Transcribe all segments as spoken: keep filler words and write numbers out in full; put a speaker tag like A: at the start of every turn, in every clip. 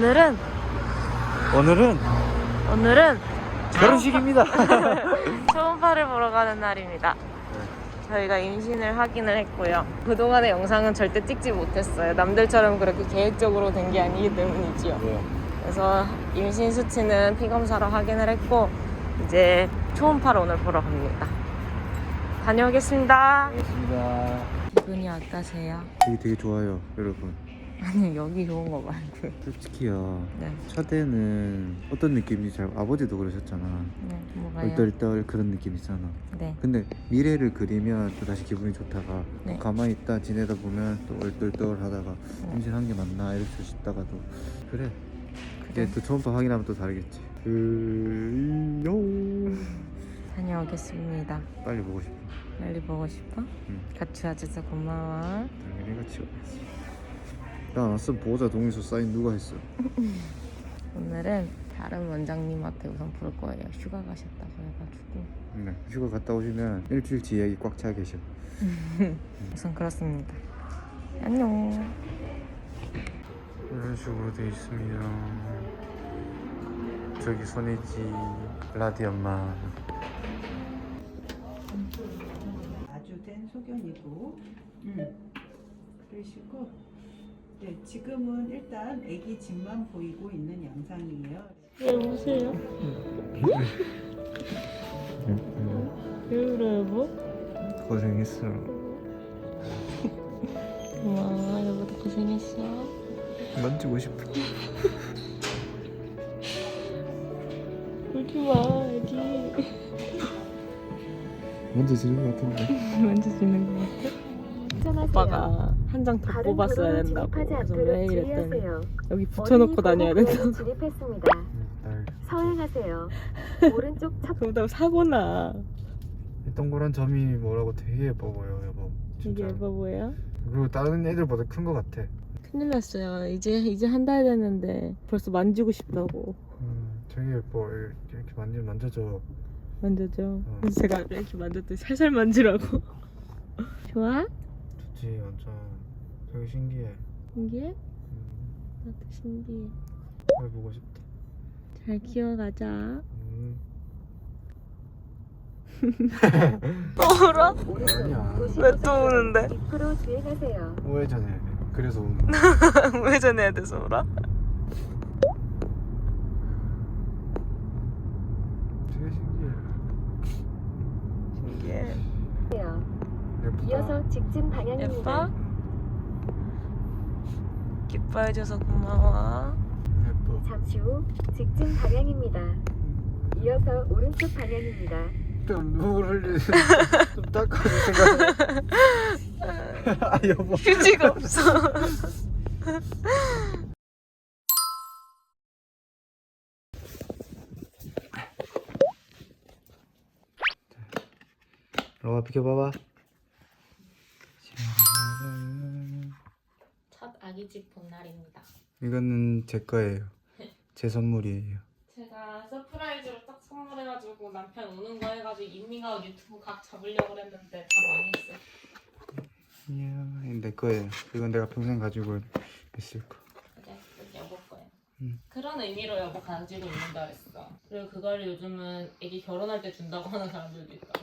A: 오늘은
B: 오늘은
A: 오늘은
B: 결혼식입니다.
A: 초음파를 보러 가는 날입니다. 저희가 임신을 확인을 했고요. 그동안의 영상은 절대 찍지 못했어요. 남들처럼 그렇게 계획적으로 된 게 아니기 때문이지요.
B: 네.
A: 그래서 임신 수치는 피검사로 확인을 했고 이제 초음파를 오늘 보러 갑니다. 다녀오겠습니다.
B: 알겠습니다.
A: 기분이 어떠세요?
B: 여기 되게 좋아요, 여러분.
A: 아니 여기 좋은 거 말고.
B: 솔직히요.
A: 네.
B: 첫에는 어떤 느낌인지 잘 아버지도 그러셨잖아.
A: 네, 뭐가요?
B: 얼떨떨 그런 느낌 있잖아.
A: 네.
B: 근데 미래를 그리면 또 다시 기분이 좋다가
A: 네.
B: 가만히 있다 지내다 보면 또 얼떨떨 하다가
A: 네.
B: 임신한 게 맞나 이럴 수 있다가도 그래.
A: 그래.
B: 이제 또 초음파 확인하면 또 다르겠지. 으요.
A: 다녀오겠습니다.
B: 빨리 보고 싶어.
A: 빨리 보고 싶어?
B: 응.
A: 같이 와줘서 고마워.
B: 당연히 같이 와야지. 야나 쓴 보호자 동의서 사인 누가 했어?
A: 오늘은 다른 원장님한테 우선 볼 거예요. 휴가 가셨다고 해가지고.
B: 네. 휴가 갔다 오시면 일주일치 예약이 꽉 차 계셔.
A: 우선 그렇습니다. 안녕.
B: 이런 식으로 돼 있습니다. 저기 손이지 라디 엄마.
C: 아주 된 소견이고, 음. 그러시고, 네, 지금은 일단 아기 집만 보이고 있는 영상이에요.
A: 왜 우세요? 왜 울어요, 여보?
B: 고생했어.
A: 고마워, 여보도 고생했어.
B: 만지고 싶어.
A: 울지 마, 애기.
B: 만져지는 것 같은데.
A: 만져주는 거 같아? 오빠가 한 장 더 뽑았어야 된다고. 그래서 왜 이랬더니 여기 붙여놓고 다녀야 된다고.
D: 진입했습니다.
B: 날
D: 서행하세요. 오른쪽 첫
A: 그러다 사고나.
B: 이 동그란 점이 뭐라고 되게 예뻐 보여, 여보.
A: 이게
B: 진짜.
A: 예뻐 보여?
B: 그리고 다른 애들보다 큰 것 같아.
A: 큰일 났어요. 이제 이제 한 달 됐는데 벌써 만지고 싶다고.
B: 음, 되게 예뻐. 이렇게 만지면 만져져.
A: 만져줘.
B: 어.
A: 그래서 제가 이렇게 만졌더니 살살 만지라고. 좋아?
B: 좋지, 완전. 되게 신기해.
A: 신기해?
B: 음,
A: 나도 신기해.
B: 잘 보고 싶다.
A: 잘 키워가자.
B: 음.
A: 또 울어?
B: 아니야.
A: 왜 또 우는데?
D: 이 프로 주행하세요.
B: 우회전해. 그래서 우는 거야.
A: 우회전해야 돼서 울어?
B: 되게 신기해.
A: 신기해.
B: 예쁘다.
D: 이어서 직진 방향입니다.
A: 예뻐? 기뻐해줘서 고마워.
B: 예뻐.
D: 잠시 후 직진 방향입니다. 이어서 오른쪽 방향입니다.
B: 좀 눈물 흘리는 좀 닦아줄 생각. 아 여보.
A: 휴지가 없어.
B: 로아 비켜봐봐.
A: 첫 아기집 본 날입니다.
B: 이거는 제 거예요. 제 선물이에요.
A: 제가 서프라이즈로 딱 선물해가지고 남편 우는 거 해가지고 인밍아웃 유튜브 각 잡으려고 했는데 다 망했어.
B: 이야, 내 거예요. 이건 내가 평생 가지고 있을 거.
A: 그래, 그게 여보 거야.
B: 응.
A: 그런 의미로 여보 가지고 있는다 그랬어. 그리고 그걸 요즘은 애기 결혼할 때 준다고 하는 사람들도 있다.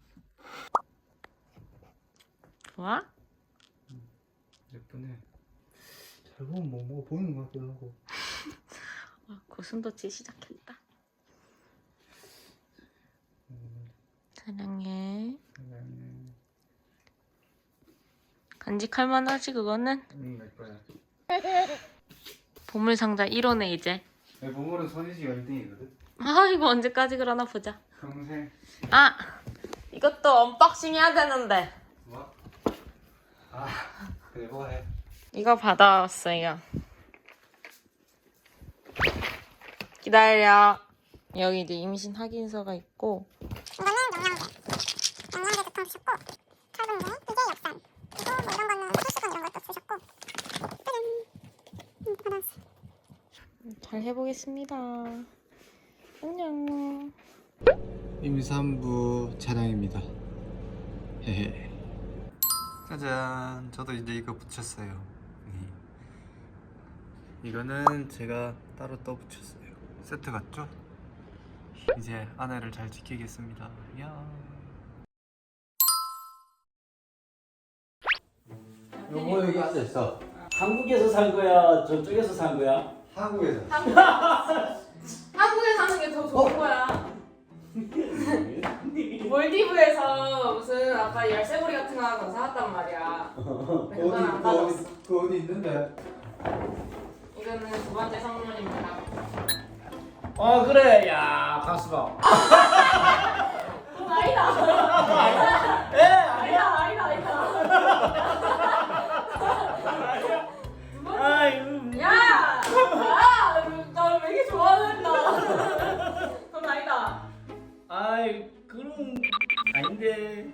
A: 좋아?
B: 예쁘네. 잘 보면 뭐 뭐가 보이는 것 같기도 하고.
A: 와, 고슴도치 시작했다. 사랑해.
B: 사랑해.
A: 간직할 만하지 그거는?
B: 응, 내 거야.
A: 보물상자 일 호네 이제.
B: 내 보물은 선희지가 일 등이거든.
A: 아 이거 언제까지 그러나 보자.
B: 평생.
A: 아 이것도 언박싱 해야 되는데.
B: 뭐? 아, 그래 뭐 해.
A: 이거 받아왔어요. 기다려. 여기 이제 임신 확인서가 있고.
E: 이거는 영양제. 영양제도 통 주셨고, 철분제, 이게 엽산. 그리고 뭐 이런 거는 필수건 이런 것도 주셨고. 짜잔. 음, 받아왔어.
A: 잘 해보겠습니다. 안녕.
B: 임산부 차량입니다. 헤헤. 짜잔. 저도 이제 이거 붙였어요. 이거는 제가 따로 떠붙였어요. 세트 같죠? 이제 아내를 잘 지키겠습니다. 야.
F: 요거 여기 앉아 있어. 한국에서 산 거야? 저쪽에서 산 거야?
B: 한국에서.
A: 한국에 사는 게 더 좋은 거야. 몰디브에서 무슨 아까 열쇠고리 같은 거 하나 사왔단 말이야. 근데 그건 안 가져왔어.
B: 그 어디 있는데?
A: 이거는 두 번째 선물입니다.
F: 어 그래. 야 가수가.
A: 어, 아니다.
F: 에
A: 아니다, 아니다, 아니다.
F: 아유.
A: 야! 야! 나 왜 이렇게 좋아한다. 그건 아니다.
F: 아이 그럼 아닌데.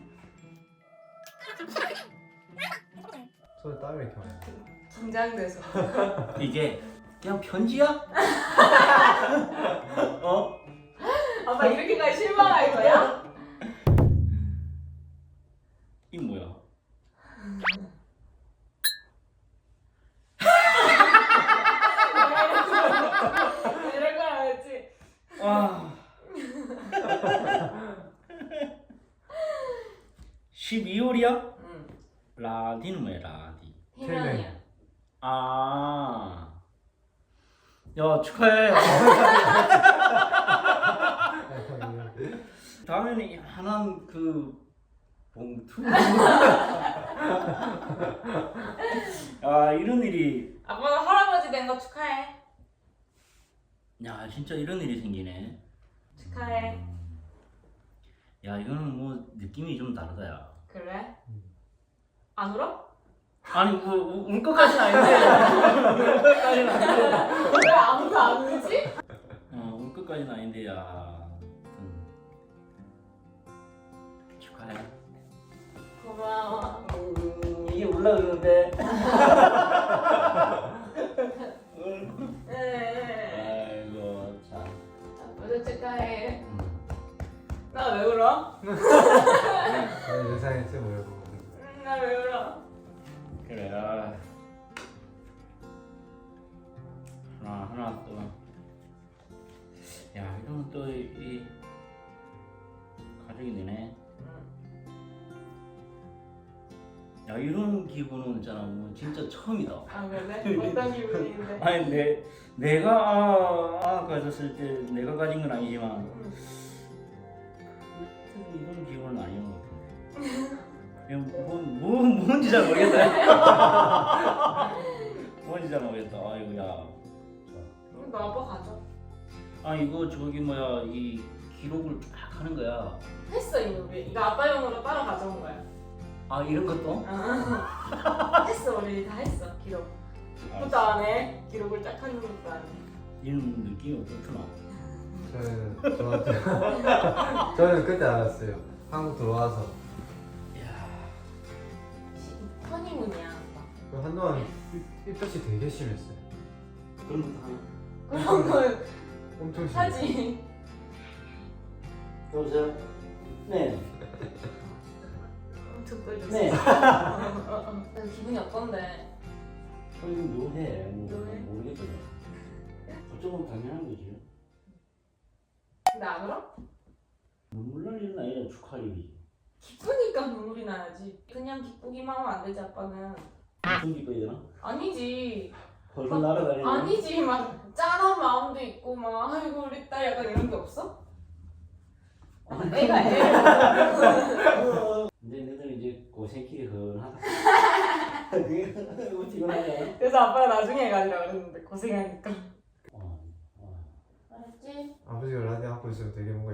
B: 손에 땀이 이렇게 많이 나.
A: 긴장돼서.
F: 이게 그냥 편지야? 어?
A: 아빠 이렇게까지 실망할 거야?
F: 이 뭐야?
A: 이럴 걸 알았지?
F: 아. 십이월이야?
A: 응.
F: 라디는 뭐야 라디?
A: 희명이야.
F: 아. 야 축하해. 다음에는 이만한 그 봉투. 아 이런 일이.
A: 아빠가 할아버지 된 거 축하해.
F: 야 진짜 이런 일이 생기네.
A: 축하해.
F: 음. 야 이거는 뭐 느낌이 좀 다르다 야.
A: 그래? 안 울어?
F: 아니 뭐울 것까지는 아닌데. 울 것까지는 아닌데.
A: 왜 아무도 안 울지?
F: 어울 것까지는 아닌데 야. 음. 축하해.
A: 고마워.
F: 음, 이게 올라 그러는데.
A: 네.
F: 아이고 참.
A: 아빠도 축하해.
F: 음.
A: 나 왜 울어?
B: 아니 예상했지 뭐라고.
A: 나 왜 울어?
F: 그래. 아. 하나 하나 또. 야 이러면 또 이 가족이 되네. 야 이런 기분은 있잖아 뭐 진짜 처음이다.
A: 아 그래? 어떤 기분인데?
F: 아니 내 내가 아, 아 가졌을 때 내가 가진 건 아니지만
A: 응.
F: 이런 기분은 아니었던 것 같은데. 그냥 뭐, 뭐 뭔지 잘 모르겠다. 뭔지 잘 모르겠다. 아이고 야.
A: 너 아빠 가져.
F: 아 이거 저기 뭐야 이 기록을 쫙 하는 거야.
A: 했어 이거 우리. 이거 아빠용으로 따로 가져온 거야.
F: 아 이런 것도?
A: 아, 했어 우리 다 했어 기록. 그것도 안 해. 기록을 쫙 하는 것도 안 해.
F: 이런 느낌이 어떻구나.
B: 저는 저한테 저는 그때 알았어요. 한국 들어와서
F: 야.
A: 허니문이야 아빠.
B: 그 한동안 삐뚤이 되게 심했어요.
F: 그런 것도 하나.
A: 그런 걸
B: 엄청 심해.
A: 하지.
F: 여보세요? 네.
A: 엄청 떨렸어.
F: 네.
A: 기분이 어떤데?
F: 아니 묘해. 뭐,
A: 묘해?
F: 모르겠거든. 어쩌면 당연한 거지.
A: 근데 안 울어?
F: 눈물 날 일은 아니라 축하할 일이지.
A: 기쁘니까 눈물이 나야지. 그냥 기쁘기만 하면 안 되지 아빠는.
F: 무슨 기뻐야 되나?
A: 아니지.
F: 벌벌 날아다니는.
A: 아니지 막 짠한 마음도 있고 막 아이고 우리 딸 약간 이런 게 없어? 아, 애가 애.
F: 이제 너들 이제 고생길이 흔하다. 그게 피곤하잖아.
A: 그래서 아빠가 나중에 가지라 그랬는데 고생하니까.
F: 어, 어.
A: 알았지?
B: 아버지가 라디오 하고 있으면 되게 뭔가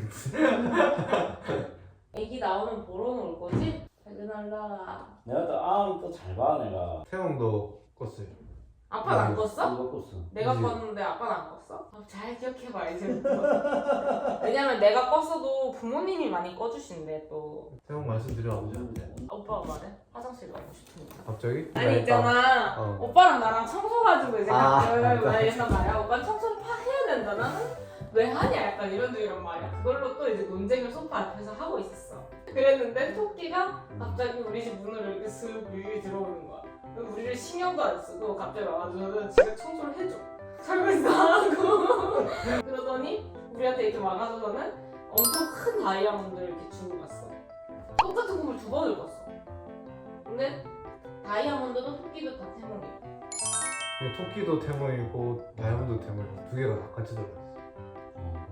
B: 이상해.
A: 애기 나오면 보러는 올 거지? 퇴근할라.
F: 내가 또 아우 또잘 봐 내가.
B: 태영도 껐어요.
A: 아빠는 안 껐어?
F: 누가 껐어?
A: 내가
B: 그지?
A: 껐는데 아빠는 안 껐어? 어, 잘 기억해봐 이제부터. 왜냐면 내가 껐어도 부모님이 많이 꺼주신대 또.
B: 태영 말씀드려.
A: 오빠가 말해? 화장실 가고 싶으니까.
B: 갑자기?
A: 아니 있잖아
B: 어.
A: 오빠랑 나랑 청소 가지고 이제
B: 아,
A: 가끔
B: 맞다.
A: 말했단 말이야. 오빠는 청소를 파 해야 된다. 나는 왜 하냐 약간 이런 이런 말이야. 그걸로 또 이제 논쟁을 소파 앞에서 하고 있었어. 그랬는데 토끼가 갑자기 우리 집 문을 이렇게 슥 밀고 들어오는 거야. 우리를 신경도 안 쓰고 갑자기 와가지고 지가 청소를 해줘. 설거지도 하고. 그러더니 우리한테 이렇게 와가지고는 엄청 큰 다이아몬드를 이렇게 주고 갔어. 똑같은 꿈을 두 번을 꿨어. 근데 다이아몬드도 토끼도 다 태몽이야.
B: 토끼도 태몽이고 다이아몬드 태몽이고 두 개가 다 같이 들어갔어.
F: 어,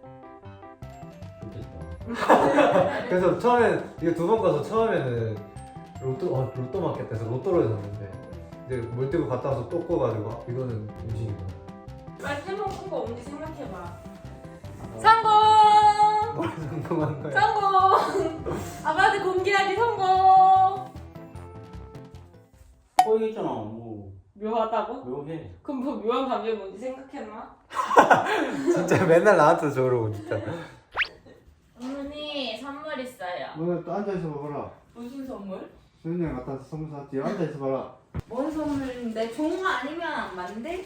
F: 좋겠다.
B: 그래서 처음엔 이게 두 번 가서 처음에는 로또 어, 로또 맞겠다 해서 로또를 샀는데 이제 물 뜨고 갔다 와서 또 꺼가지고 아, 이거는 음식이구나.
A: 빨리 태몽 꾼거 뭔지 생각해봐. 성공!
B: 뭘 성공한 거야?
A: 성공! 아빠한테 공개하기 성공!
F: 꼬이겠잖아. 뭐
A: 묘하다고?
F: 묘해.
A: 그럼 뭐 묘한 감정이 뭔지 생각했나?
B: 진짜 맨날 나한테 저러고 진짜.
A: 어머니 선물 있어요.
G: 너 또 앉아있어 봐라.
A: 무슨 선물?
G: 수현이 형 갖다 선물 샀지. 앉아있어 봐라.
A: 뭔 선물인데? 좋은 거 아니면 안 만들?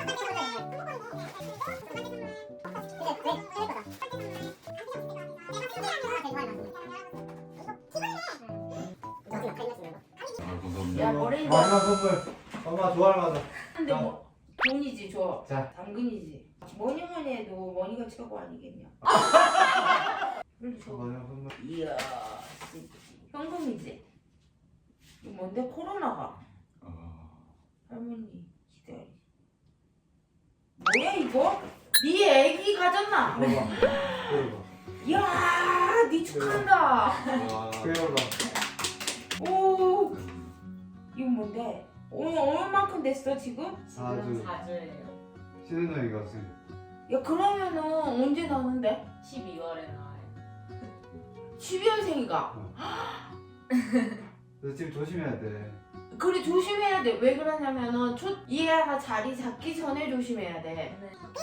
H: 야 머리
G: 마지막 선물. 엄마 좋아할 만한.
H: 근데 뭐 돈이지 줘.
G: 자.
H: 당근이지. 뭐니 뭐니 해도 머니가 최고 아니겠냐. 빨리 줘.
G: 마지막 선물.
H: 이야 현금이지. 이거 뭔데 코로나가. 할머니 기다려. 뭐야 이거? 네 애기 가졌나?
G: 봐봐. 그래봐.
H: 이야 네 축하한다.
G: 그래봐.
H: 오 이거 뭔데? 오늘 얼마만큼 됐어 지금?
G: 아주
A: 사주예요.
G: 수현이 형이 갔어요.
H: 야 그러면은 언제 나오는데?
A: 십이월에 나와요.
H: 십이월생이가.
G: 너 지금 조심해야 돼.
H: 그래 조심해야 돼. 왜 그러냐면은 첫 이해가 자리 잡기 전에 조심해야 돼.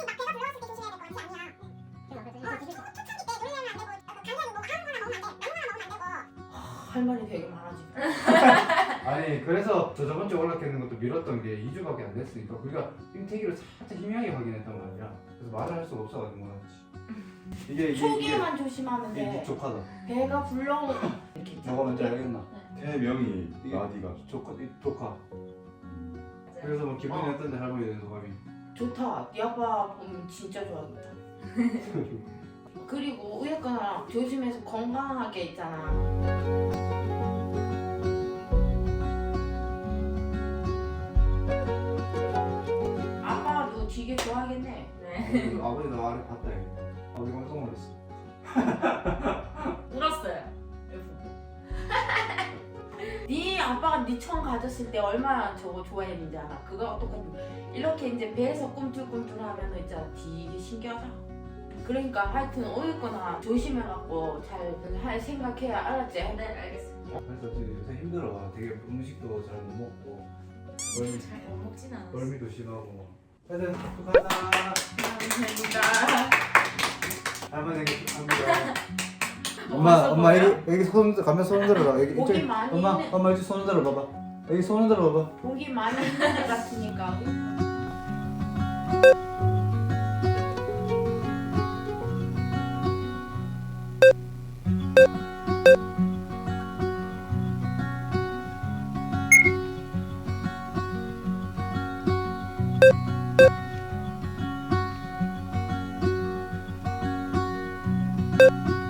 H: 할 말이 되게 많아지고.
G: 아니 그래서 저 저번 주에 연락했는 것도 미뤘던 게 이 주밖에 안 됐으니까 우리가 임태기를 살짝 희미하게 확인했단 말이야. 그래서 말을 할 수가 없어가지고 못하지. 이게 이게
H: 초기만 조심하면
G: 이게
H: 돼.
G: 족하다.
H: 배가 불러 이렇게.
G: 너가 먼저 알겠나?
I: 태명이
G: 이게
I: 나디가
G: 조카 이 조카. 그래서 뭐 기분이 어떤데 할머니 된 소감이?
H: 좋다. 네 아빠 보면 진짜 좋아하겠다. 그리고 어쨌거나 조심해서 건강하게 있잖아. 아빠도 되게 좋아하겠네.
A: 네.
G: 어, 아버지도 아래 봤다 이거. 아버지 깜짝 놀랐어.
A: 울었어요.
H: 네 아빠가 네 처음 가졌을 때 얼마나 저거 좋아했는지 알아? 그거 똑같은 이렇게 이제 배에서 꿈틀꿈틀하면 있잖아 되게 신기하다. 그러니까 하여튼 어쨌거나 조심해갖고 잘 할 생각해야 알았지?
A: 네, 알겠습니다.
G: 그래서 지금 요새 힘들어. 되게 음식도 잘 못 먹고 멀미,
A: 잘 못 먹진 않았어.
G: 멀미도 심하고. 하여튼 축하한다.
A: 감사합니다.
G: 할머니에게 축하합니다.
A: 엄마, 엄마, 여기,
G: 여기 손 가면 손 흔들어라. 여기
H: 목이 많이 있는
G: 엄마 여기 손 흔들어 봐봐. 여기 손 흔들어 봐봐.
H: 목이 많이 있는 애 같으니까.
E: you